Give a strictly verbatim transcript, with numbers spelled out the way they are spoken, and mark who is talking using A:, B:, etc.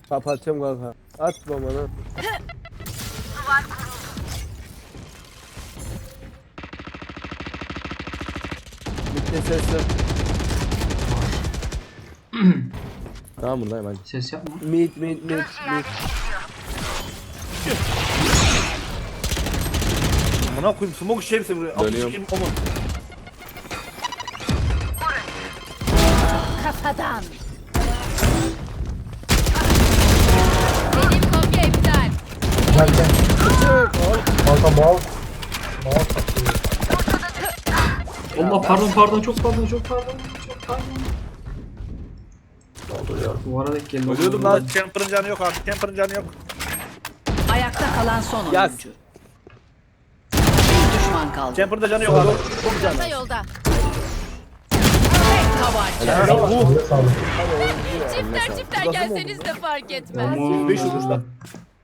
A: Kapatacağım kanka. Atma bana. Bitti sesler.
B: Tamam buradayım hadi.
C: Ses yapma.
A: Mid mid mid mid.
D: Amına koyayım smoke işlerse buraya.
B: Dönüyorum.
D: Sikeyim, aman.
E: Kafadan. Benim kopya iptal.
F: Gel gel. Kanka bal. Bal satıyor.
C: Allah pardon pardon çok pardon çok pardon çok pardon. Ne oldu ya? Duvara denk geldi.
D: Ölüyordum lan. Camper'ın canı yok artık. Camper'ın canı yok.
G: Ayakta kalan son
A: Yaz.
G: oyuncu. Bir düşman kaldı.
D: Camper'da canı yok abi.
E: Çanta yolda.
G: Tek tabanca.
D: Ya bu.
F: Sağlık.
E: Çifter çifter gelseniz de fark etmez.
C: Aman.
D: beş olmuş lan.